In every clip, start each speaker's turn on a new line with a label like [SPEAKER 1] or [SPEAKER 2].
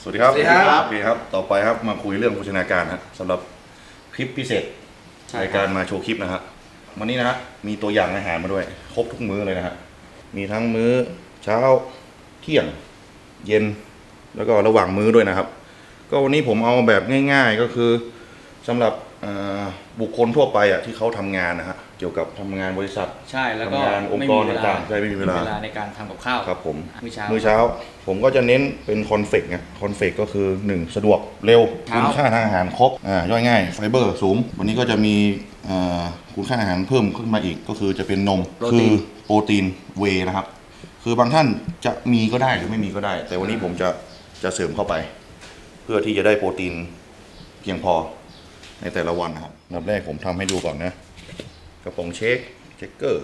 [SPEAKER 1] วัสดีครับ
[SPEAKER 2] สวัสดีครับ
[SPEAKER 1] โอเคครับต่อไปครับมาคุยเรื่องโภชนาการครับสำหรับคลิปพิเศษรายการมาโชว์คลิปนะฮะวันนี้นะฮะมีตัวอย่างอาหารมาด้วยครบทุกมื้อเลยนะฮะมีทั้งมื้อเช้าเที่ยงเย็นแล้วก็ระหว่างมื้อด้วยนะครับก็วันนี้ผมเอาแบบง่ายๆก็คือสำหรับบุคคลทั่วไปอ่ะที่เขาทำงานนะฮะเกี่ยวกับทำงานบริษัท
[SPEAKER 2] ใช่แล้วก็
[SPEAKER 1] ทำงานองค์กรต่างๆใช่ไม่มีเวลา
[SPEAKER 2] ในการทำกับข้าว
[SPEAKER 1] ครับผม
[SPEAKER 2] มื้อเช้า
[SPEAKER 1] ผมก็จะเน้นเป็นคอนเฟกต์นะคอนเฟกต์ก็คือ 1 สะดวกเร็ว
[SPEAKER 2] เช้า
[SPEAKER 1] คุณค่าทางอาหารครบย่อยง่ายไฟเบอร์สูงวันนี้ก็จะมีคุณค่าอาหารเพิ่มขึ้นมาอีกก็คือจะเป็นนมคือโปรตีนเวย์นะครับคือบางท่านจะมีก็ได้หรือไม่มีก็ได้ แต่วันนี้ผมจะเสริมเข้าไป เพื่อที่จะได้โปรตีนเพียงพอในแต่ละวันนะครับอันดับแรกผมทำให้ดูก่อนนะกระป๋องเช็คเกอร์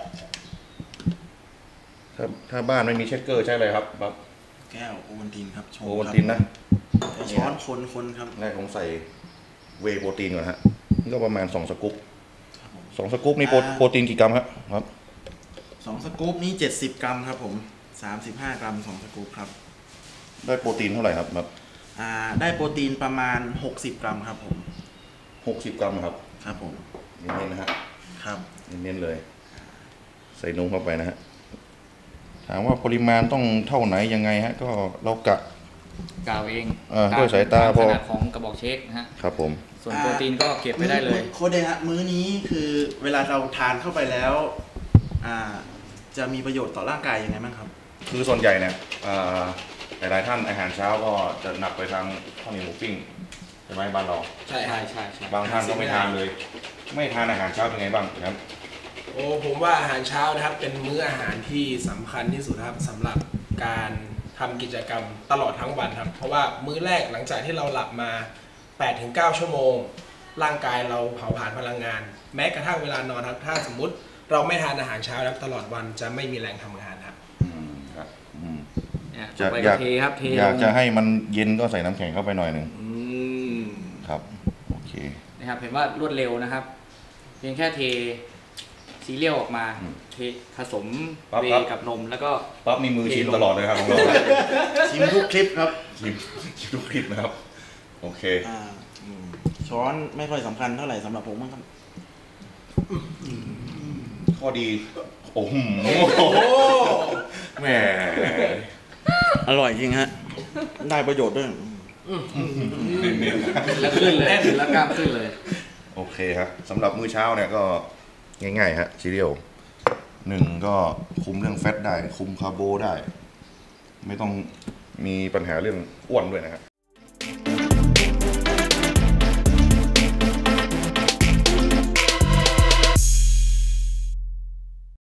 [SPEAKER 1] ถ้าบ้านไม่มีเช็คเกอร์ใช่เลยครับแบบ
[SPEAKER 3] แก้วโอวัลตินครับชง
[SPEAKER 1] โอวัลตินนะ
[SPEAKER 3] ช้อนคนครับ
[SPEAKER 1] แรกผมใส่เวย์โปรตีนก่อนฮะนี่ก็ประมาณ2 สกู๊ป
[SPEAKER 3] ครับผม
[SPEAKER 1] 2 สกู๊ปนี่โปรตีนกี่กรัมครับ
[SPEAKER 3] 2 สกู๊ปนี้70 กรัมครับผม35 กรัม2 สกู๊ปครับ
[SPEAKER 1] ได้โปรตีนเท่าไหร่ครับ
[SPEAKER 3] ได้โปรตีนประมาณ60 กรัมครับผม
[SPEAKER 1] 60 กรัมครับ
[SPEAKER 3] ครับผม
[SPEAKER 1] เน้นๆนะฮะ
[SPEAKER 3] ครับ
[SPEAKER 1] เน้นๆเลย ใส่นมเข้าไปนะฮะถามว่าปริมาณต้องเท่าไหนยังไงฮะก็เรากะ
[SPEAKER 2] กล่าวเอง
[SPEAKER 1] ด้วยสายตาพอ
[SPEAKER 2] ขนาดของกระบอกเช็คนะฮะ
[SPEAKER 1] ครับผม
[SPEAKER 2] ส่วนโปรตีนก็เก็บไปได้เลย
[SPEAKER 3] โค้ดเดฮะมื้อนี้คือเวลาเราทานเข้าไปแล้วจะมีประโยชน์ต่อร่างกายยังไงบ้างครับ
[SPEAKER 1] คือส่วนใหญ่เนี่ยหลายๆท่านอาหารเช้าก็จะหนักไปทางข้าวเหนียวหมูปิ้งใช่ไหมบ้านเรา
[SPEAKER 4] ใช่
[SPEAKER 2] ใช่
[SPEAKER 4] ครับ
[SPEAKER 2] ใช่
[SPEAKER 1] บางท่านก็ไม่ทานเลย ไม่ทานอาหารเช้าเป็นไงบ้างครับ
[SPEAKER 4] โอ้ผมว่าอาหารเช้านะครับเป็นมื้ออาหารที่สำคัญที่สุดครับสำหรับการทำกิจกรรมตลอดทั้งวันครับเพราะว่ามื้อแรกหลังจากที่เราหลับมา 8-9 ชั่วโมง ร่างกายเราเผาผลาญพลังงาน แม้กระทั่งเวลานอนครับถ้าสมมุติเราไม่ทานอาหารเช้าครับตลอดวันจะไม่มีแรงทำงานครับ
[SPEAKER 1] ครับ
[SPEAKER 2] เนี่ย
[SPEAKER 1] จะ
[SPEAKER 2] ต่อไป
[SPEAKER 1] อ
[SPEAKER 2] ก็
[SPEAKER 1] ยาก
[SPEAKER 2] เทครับเท
[SPEAKER 1] อยากจะให้มันเย็นก็ใส่น้ำแข็งเข้าไปหน่อยหนึ่ง
[SPEAKER 4] อืม
[SPEAKER 1] ครับโอเค
[SPEAKER 2] นะครับเห็นว่ารวดเร็วนะครับ เพียงแค่เทซีเรียลออกมาเทผสม
[SPEAKER 1] ปั๊บ
[SPEAKER 2] เว
[SPEAKER 1] ครับ
[SPEAKER 2] ย์กับนมแล้วก็
[SPEAKER 1] ปั๊บมีมือชิมตลอดเลยครับของเรา
[SPEAKER 3] ชิมทุกคลิปครับ
[SPEAKER 1] ชิมทุกคลิปนะครับโอเค
[SPEAKER 3] ช้อนไม่ค่อยสำคัญเท่าไหร่สำหรับผมมั้งครับ
[SPEAKER 1] ข้อดีโอ้โห
[SPEAKER 4] โอ้
[SPEAKER 1] แหม
[SPEAKER 3] อร่อยจริงฮะ ได้ประโยชน์ด้วย
[SPEAKER 1] เน้น
[SPEAKER 2] แล้วขึ้นเลยแล้วกล้ามขึ้นเลย
[SPEAKER 1] ๆโอเคครับสำหรับมื้อเช้าเนี่ยก็ง่ายๆฮะซีเรียล1ก็คุมเรื่องแฟตได้คุมคาร์โบได้ ไม่ต้องมีปัญหาเรื่องอ้วนด้วยนะครับ